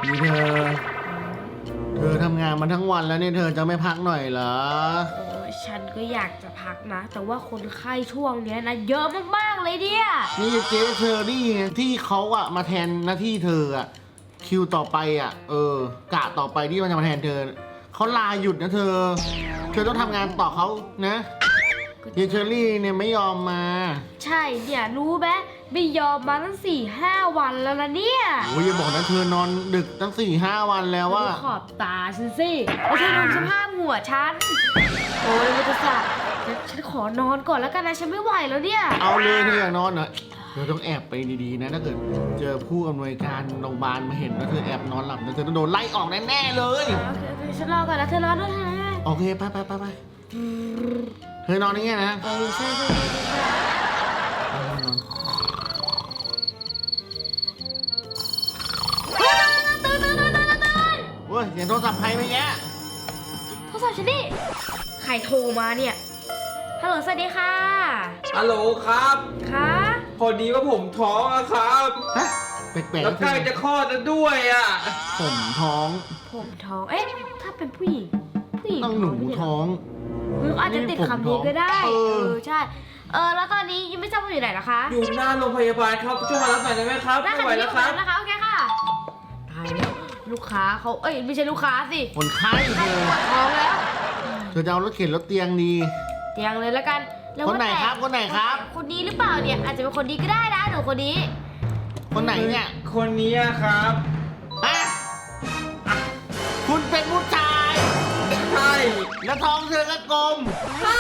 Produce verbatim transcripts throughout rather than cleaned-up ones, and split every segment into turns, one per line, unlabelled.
นี่เธอเธอทำงานมาทั้งวันแล้วเนี่ยเธอจะไม่พักหน่อยเหรอ
โอ้ยฉันก็อยากจะพักนะแต่ว่าคนไข้ช่วงเนี้ยนะเยอะมากๆเลยเนี่ย
นี่เจ๊เชอรี่ไงที่เขาอะมาแทนหน้าที่เธออะคิวต่อไปอะเออกะต่อไปที่มันจะมาแทนเธอเขาลาหยุดนะเธอเธอต้องทำงานต่อเขานะเยเชอรี่เนี่ยไม่ยอมมา
ใช่เนี่ยรู้ไหมไม่ยอมมาตั้งสี่ห้าวันแล้วนะเนี่ย
โอ้ยอย่าบอกนะเธอนอนดึกตั้งสี่ห้าวันแล้วว่า
ขอบตาฉันสิไม่ใช่ดูสภาพหัวฉันโอ้ยมันจะสักฉันขอนอนก่อนแล้วกันนะฉันไม่ไหวแล้วเนี่ย
เอาเลยเธออยากนอนเหรอเธอต้องแอบไปดีๆนะถ้าเกิดเจอผู้อำนวยการโรงพยาบาลมาเห็นว่าเธอแอบนอนหลับนะเธอต้องโดนไล่ออกแน่ๆเลย
โอเคโอเคฉันรอก่อนนะเธอรอด้วยนะ
โอเคไปไปไปไปเธอนอนอย่างเงี้ยนะ
เออใช่ใช่ใช่ใช่ตื่นตื่นตื่นตื่นตื่น
เว้ยเสียงโทรศัพท์ใครไปเงี้ย
โทรศัพท์ฉันดิใครโทรมาเนี่ยฮัลโหลสวัสดีค่ะ
ฮัลโหลครับ
ค่ะ
พอดีว่าผมท้องอะครับ
ฮะแปลกๆ
แล้วใกล้จะคลอดแล้วด้วยอะ
ผมท้อง
ผมท้องเอ๊ะถ้าเป็นผู้หญิงผู้หญิง
ต้องหนูท้อง
หรืออาจจะติดคำนี้ก็ได้เออใช่เออแล้วตอนนี้ยังไม่ทราบว่าอยู่ไหนนะคะ
อยู่หน้าโรงพยาบาลครับช่วยมารับหน่อยได้ไหมครับ
ไม่ไหวแล้วครับนะคะโอเคค่ะตายแล้วลูกค้าเขาเอ้ยไม่ใช่ลูกค้าสิ
คนไข้เธอ
ปวดท้องแล้ว
เธอจะเอารถเข็นรถเตียงดี
เตียงเลยแล้วกัน
คนไหนครับคนไหนครับ
คนนี้หรือเปล่าเนี่ยอาจจะเป็นคนนี้ก็ได้นะหนูคนนี้
คนไหนเนี่ย
คนนี้ครับ
ฮะคุณเป็นผู้ชาย
ใช่
แล้วท้องเธอก็กลม
ใช่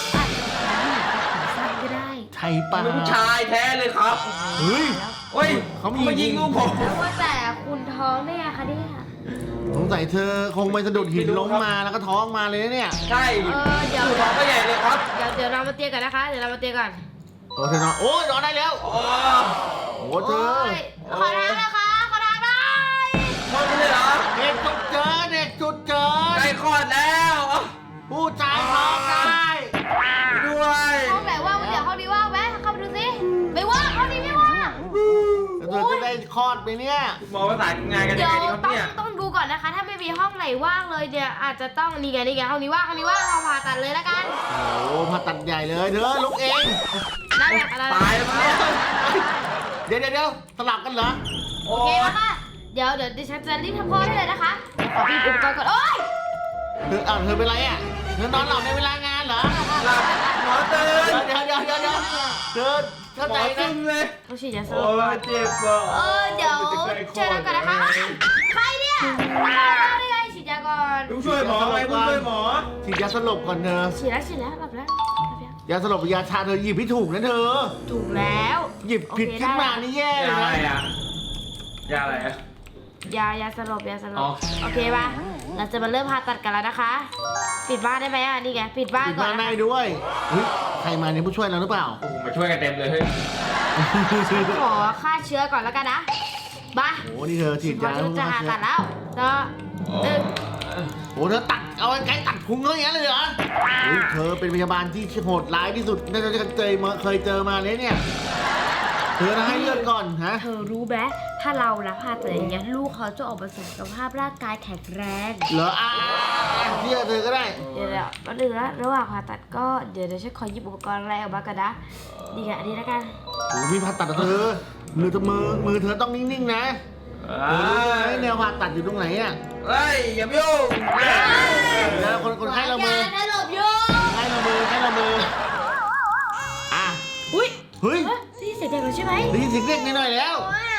สั้นก็ได้
ใช่ป่ะ
เป็นผู้ชายแท้เลยครับ
เฮ้ย
เฮ้ยเขามายิงลูกผม
ว่าแต่คุณท้องได้ไงคะเนี่ย
สงสัยเธอคงไปสะดุดหินล้มมาแล้วก็ท้องมาเลยเนี่ย
ใช่
เออเดี๋ยว
ท้องก็ใหญ่เลยครับ
เดี๋ยวเดี๋ยวเรามาเตียงกันนะคะเดี๋ยวเรามาเตียงกัน
โอ้เธอนอนโอ้ยนอนได้แล้ว
โอ้
โหเธอ
ขอทางนะคะขอทางได้
คลอดไม่ได้เหรอ
เด็กจุดเจอเด็กจุดเจอ
ใกล้คลอดแล้ว
ผู้ชายท้องได้
ด้วย
ห้องไหนว่างเดี๋ยวห้องนี้ว่างไหมเข้าไปดูสิไม่ว่างห้องนี้ไม่ว่าง
เธอจะได้คลอดไปเนี่ย
หมอประสานงานกันยังไงดีครับเนี่ย
ต้องดูก่อนนะคะถ้าไม่มีห้องไหนว่างเลยเนี่ยอาจจะต้องนี่ไงนี่ไงห้องนี้ว่างห้องนี้ว่างเราผ่าตัดเลยแล้วกัน
โอ้ผ่าตัดใหญ่เลยเธอลุกเอง
ได้แบบอะไร
ตายแล้วเนี่ย
เดี๋ยวเดี๋ยวเดี๋ยวสลับกันเหรอ
โอเคแล้วค่ะเดี๋ยวเดี๋ยวดิฉันจะรีบทำคลอดได้เลยนะคะขอพี่อุปกรณ์ก่อนโอ๊ย
เธออ้าวเธอเป็นไรอ่ะเธอนอนหลับในเวลางานเหรอ
หลับหมอตื่น
เดี๋ยวเดี๋ยวเดี๋ยวเดี๋ยวเดินเข้าใจนะ
เลย
เขาฉีดยาสลบ
โอ้เจ็บอ่ะ
เออเดี๋ยวเจอกันก่อนนะคะใครเนี่ยได้ไงฉีดยาก่อน
ผู้ช่วยหมอไงผู้ช่วยหมอ
ฉีดยาสลบก่อนเธอ
ฉีดแล้วฉีดแล้วหลับแล้ว
ยาสลบยาชาเธอหยิบให้ถูกนะเธอ
ถูกแล้ว
หยิบผิดขึ้นมานี่แย่เลย
นะยาอะไรอ่ะยาอะไรอ่ะ
ยายาสลบยาสลบโอเคป่ะเราจะมาเริ่มผ่าตัดกันแล้วนะคะปิดบ้านได้ไหมอ่ะนี่ไงปิดบ้านก่อน
ปิดบ้านได้ด้วยเฮ้ยใครมาเนี่ยผู้ช่วยเราหรือเปล่า
มาช่วยกันเต็มเลยเฮ้ย
ขอฆ่าเชื้อก่อนแล้วกันนะบ้า
โอ้นี่เธอฉีดยา
แล้วจะผ่าตัดแล้วเธอ
โอ้เธอตัดเอาไกลตัดพุงเขาอย่างนั้นเลยเหรอเฮ้ยเธอเป็นพยาบาลที่โหดร้ายที่สุดน่าจะเคยมาเคยเจอมาเลยเนี่ยเธอให้เลือดก่อนฮะ
เธอรู้ไหมถ้าเรานะผ่าตัดอย่างเงี้ยลูกเขาจะออกมาสุขภาพร่างกายแข็งแรง
เหรออ่ะเชื่อเธอก็ได้
เดี๋ยวเดี๋ยวมาดูนะระหว่างผ่าตัดก็เดี๋ยวเดี๋ยวฉันขอหยิบอุปกรณ์อะไรออกมากันนะดีกันอันนี้แล้วกัน
โอ้มีผ่าตัดเธอมือเธอมือมือเธอต้องนิ่งๆนะเออไอ้แนวผ่าตัดอยู่ตรงไหนอ่ะ
เฮ้ยอย่ายุ่ง
แล้วคนคนไข้เรามือ
ให้หลบยุ่ง
ให้เรามือให้เรามืออ่ะ
อุ้ย
เฮ้ย
ได้ยินเสียงเด็กแล้วใช่ไหม
ได้ยินเสียงเด็กนิดหน่อยแล้ว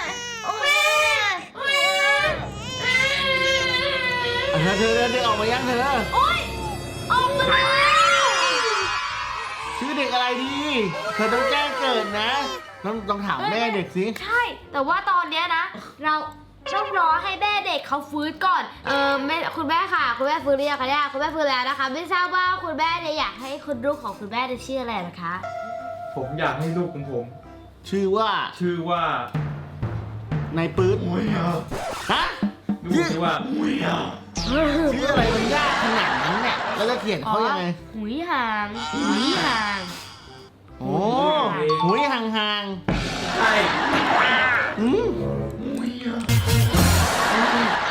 เธอเธอเด็กออกมายังเธอ
โอ๊ยออกมาแล้ว
ชื่อเด็กอะไรดีเธอต้องแจ้งเกิดนะต้องต้องถามแม่เด็กสิ
ใช่แต่ว่าตอนเนี้ยนะเราต้องรอให้แม่เด็กเขาฟื้นก่อนเออแม่คุณแม่ค่ะคุณแม่ฟื้นหรือยังคะเนี่ยคุณแม่ฟื้นแล้วนะคะไม่ทราบว่าคุณแม่เนี่ยอยากให้คุณลูกของคุณแม่จะชื่ออะไรนะคะ
ผมอยากให้ลูกของผม
ชื่อว่า
ชื่อว่าน
ายปื๊ดฮะ
ชื่อว่า
ชื่ออะไรมันยากขนาดนั้นเนี่ยแล้วจะเขียนเขายังไง
หุยห่างหุยห่าง
โอ้หุยห่างห่าง
ใช่
อืม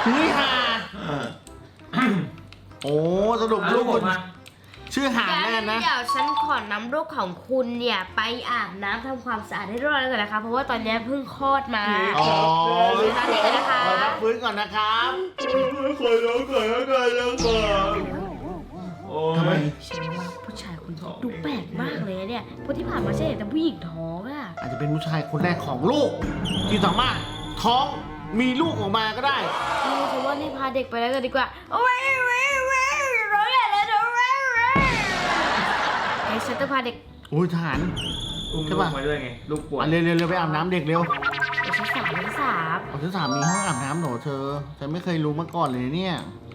โอ้สรุป
อ่ะ
ลู
ลู
ก
กผ
คุ
ม
ณ
มา
ชื่อหาน
งั้
แน่
น
นะ
เดี๋ยวฉันขอนำลูกของคุณเนี่ยไปอาบน้ำทำความสะอาดให้เรียบร้อยก่อนนะคะ เพราะว่าตอนนี้เพิ่งคลอดมา
อ๋อ
ตอนนี้กันนะคะ
ขอรับฟื้นก่อนนะครับ
ขอร้องก่อนแล้วกันแล้วก่อนโอ้
ทำไม
ย
ฉันว่าผู้ชายคนนี้ดูแปลกมากเลยเนี่ยเพราะที่ผ่านมาฉันเห็นแต่ผู้หญิงท้องอะ
อาจจะเป็นผู้ชายคนแรกของโลกที่สามารถท้องมีลูกออกมาก็ได้
เออฉันว่านี่พาเด็กไปแล้วกันดีกว่าโอ้ยเว้ยเว้ยร้องใหญ่เลยนะเว้ยเว้ยไอ้ฉันจะพาเด็ก
อุ้ยทหาร
อุ้ม
ใช่
ลู
ปะ
กมาด้วยไง ลูกปวด
อ่ะเร็วเร็วเร็วไปอาบน้ำเด็กเร็ว
เดี๋ยวฉันสามฉันสาม
เอาชั้นสามมีห้องอาบน้ำเหรอเธอฉันไม่เคยรู้มาก่อนเลยเนี่ย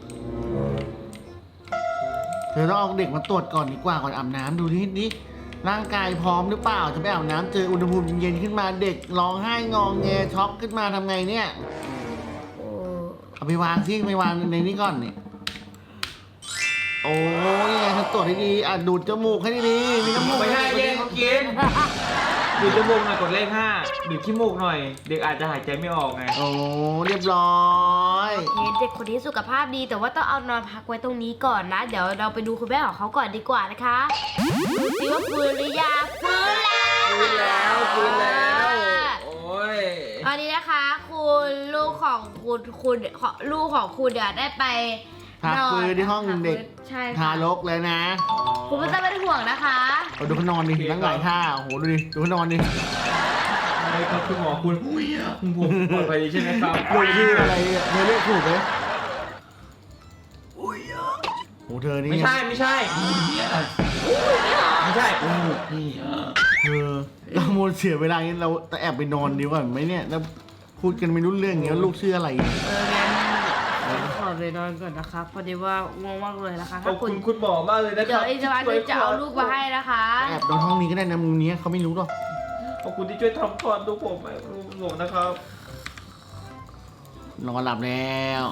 เธอต้องเอาเด็กมาตรวจก่อนดีกว่าก่อนอาบน้ำดูนิดนี้ร่างกายพร้อมหรือเปล่าจะไปอาบน้ำเจออุณหภูมิเย็นๆขึ้นมาเด็กร้องไห้งองแงช็อกขึ้นมาทำไงเนี่ย
โอ้
เอาไปวางซิไปวางในนี้ก่อนนี่โอ้ยไงเธอตรวจให้ดีอ่ะดูดจมูกให้ดีๆมีน้ำมูก
ไม่ได้แย่งเขากินดูดจมูกหน่อยกดเลขห้าดูดขี้มูกหน่อย เด็กอาจจะหายใจไม่ออกไง
โอ้เรียบร้อย
โอเคเด็กคนนี้สุขภาพดีแต่ว่าต้องเอานอนพักไว้ตรงนี้ก่อนนะ เดี๋ยวเราไปดูคุณแม่ของเขาก่อนดีกว่านะคะดูสิว่าฟื้นหรือยังฟื้นแล้ว
ฟื้นแล้วฟื้นแล้ว โอ้ย
ตอนนี้นะคะคุณลูกของคุณคุณลูกของคุณเดี๋ยวได้ไป
พัก
นอน
ฟื้นที่ห้องเด็ก
ใช่
ทา
ค่ะ
รกเลยนะ
คุณไม่ต้องเป็นห่วงนะคะ
เอาดูเขานอนดินั่งหลายท่าโอ้โหดูดิดูเขานอนดิ
อะไรครับคุณหมอคุณผมปลอดภัยดีใช่ไหมครับ
ลูกชื่ออะไรอ่ะเธอเรียกถูกไหมโอ้โหเธอนี่
ไม่ใช่ไม่ใช่ไม่ใช่อู้นี่
เธอเราโมดเสียเวลานี้เราจะแอบไปนอนดีกว่าไหมเนี่ยแล้วพูดกันไม่รู้เรื่องอย่างเงี้ยลูกชื่ออะไรเนี่ย
เอองั้นขอไปนอนก่อนนะคะพอดีว่าง่วงมากเลยนะคะ
ขอ
ถ้า
บ
คุ
คุณ ณคุณหมอมากเลยนะค
เดี๋ย
รั
ว
บ
อีกสักวันหนึงจะเอาลูกมาให้นะคะ
แอบนอนห้องนี้ก็ได้นะมุมนี้เขาไม่รู้หรอก
ขอบคุณที่ช่วยทำคลอดลูกผมลูกผมนะครับ
นอนหลับแล้ว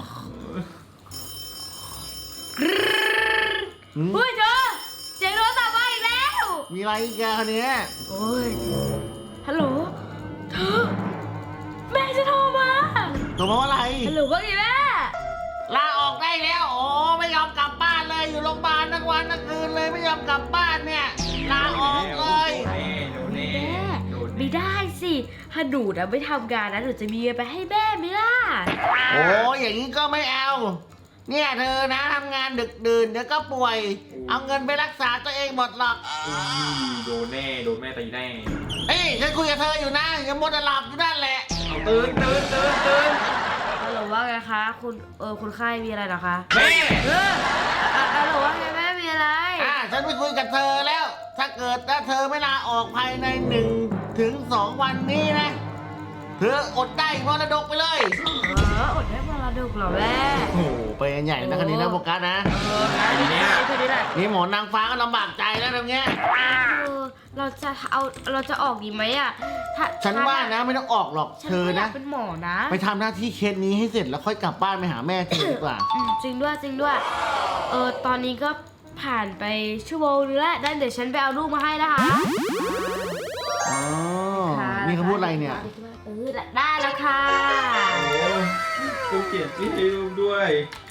หืม
เฮ้ยเธอเสียงโทรศัพท์มาอีกแล้ว
มีอะไรอีกแกคนเนี้ย
โอ้ยฮัลโหลเธอแม่จะโทรมา
ตัวมาว่าอะไร
ฮัลโหลว่าไงแม่
ลาออกได้แล้วโอ้ไม่ยอมกลับบ้านเลยอยู่โรงพยาบาลทั้งวันทั้งคืนเลยไม่ยอมกลับบ้านเนี่ยลาออกเลย
โดนแน่
แม่
โดน
ไม่
แน่
ได้สิถ้าหนูนะไม่ทำงานนะหนูจะมีเงินไปให้แม่ไหมล่ะ
โอ้อย่างนี้ก็ไม่เอา เนี่ยเธอนะทำงานดึกดื่นเดี๋ยวก็ป่วย เอาเงินไปรักษาตัวเองหมดหรอก
อุ้ยโดนแน่โดนแม่ตีแน่
เอ้ยฉันคุยกับเธออยู่นะอย่ามัวแต่หลับอยู่นั่นแหละ
เอาตื่นตื่นตื่นตื่น
ฮัลโหลว่าไงคะคุณเออคุณไข้มีอะไรเหรอคะ
แม่
เอออ่ะฮัลโหลว่าไงแม่มีอะไร
อ่าฉันไปคุยกับเธอแล้ว ถ้าเกิดถ้าเธอไม่ลาออกภายในหนึ่งถึงสองวันนี้นะ เธออดได้มรดกไปเลย
เอออดได้มรดกเหรอแม่
โอ้โหไปกันใหญ่นะคันนี้นะโฟกัสนะ
เอองั้นแค่นี้แหละ
นี่หมอนางฟ้าก็ลำบากใจแล้วตรงเนี้ย
เออเราจะเอาเราจะออกดีไหมอ่ะถ้า
ฉันว่านะไม่ต้องออกหรอก
ฉัน
เธอ
ก็อยา
นะ
กเป็นหมอนะ
ไปทำหน้าที่เคสนี้ให้เสร็จแล้วค่อยกลับบ้านไปหาแม่เธอดีกว่า
อืมจริงด้วยจริงด้วย เออตอนนี้ก็ผ่านไปชั่วโมงนึงแล้วได้เดี๋ยวฉันไปเอาลูกมาให้นะคะ
อ๋อ
ค่ะ
นี่เขาพูดอะไรเนี่ย
เออได้แล้วค่ะ
โอ้กูเขียนชื่อให้ลูกด้วย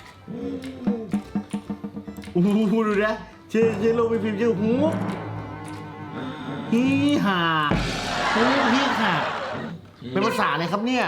อู้หูดูนะชื่อชื่อลูกเป็นพิมพ์ชื่อฮูฮีฮ่าฮูฮีฮ่าเป็นภาษาอะไรครับเนี่ย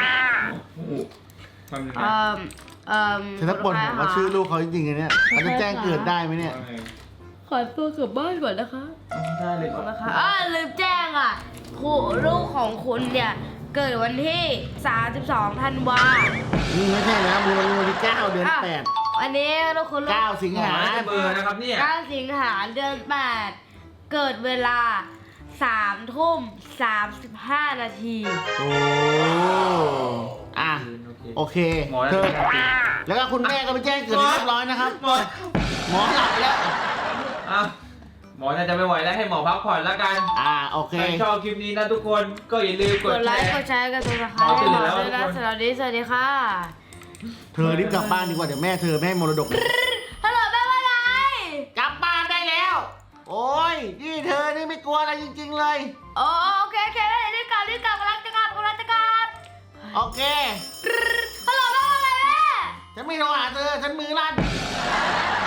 ความหนึ่ง
เอ่
นะ
อเอ่อ
ฉันถ้าปนผมว่าชื่อลูกเขาจริงๆนะเนี่ยเขาจะแจ้งเกิดได้ไหมเนี่ย
ขอตัวกลับบ้านก่อนนะคะ
ได้เลยค
ขอ
รั
บบ คุณนะคะอ่าลืมแจ้งอ่ะคู่ลูกของคุณเนี่ย เกิดวันที่ สามสิบสอง ธันวา
นี่ไม่ใช่นะมือวันที่เก้าเดือน
อ่ะ
แปด
วันนี้ลูกคุณลูก
เก้าสิง
หมอ
หา
น่าจะเบอร์นะครับเนี่ย
เก้าสิงหาเดือนแปดเกิดเวลาสามทุ่มสามสิบห้านาที
โอ้อ่ะ
โอเค
โอเค
หมอน่า
เธ
จะ
อ
เป็นจริง
แล้วก็คุณแม่ก็ไปแจ้งเกิดให้เรียบร้อยนะครับ
หมอ
หมอหลับไปแล้ว
อ่ะหมอน่าจะไม่ไหวแล้วให้หมอพักผ่อนแล้วกัน
อ่าโอเค
ใครชอบคลิปนี้นะทุกคนก็อย่าลืมก
ก
ด
ดไล
แช
ค์
ร์
กดแชร์กันด้วยนะคะ
เอาตื่น
หมอ
แล้ว
ด้วยนะ
ทุกคน
สำหรับวันนี้สวัสดีค่ะ
เธอรีบกลับบ้านดีกว่าเดี๋ยวแม่เธอแม่ให้มรดก
ฮัลโหลแม่ว่าไง
กลับบ้านได้แล้ว โอ้ยนี่เธอนี่ไม่กลัวอะไรจริง ๆ เลย
โอโอเคโอเคได้รีบกลับรีบกลับกำลังจะกลับกำลังจะกลับ
โอเค
ฮัลโหลแม่ว่าไงแม่
ฉันไม่โทรหาเธอฉันมือลั่น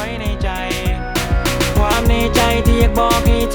ในใจ ความในใจที่อยากบอกให้เธอ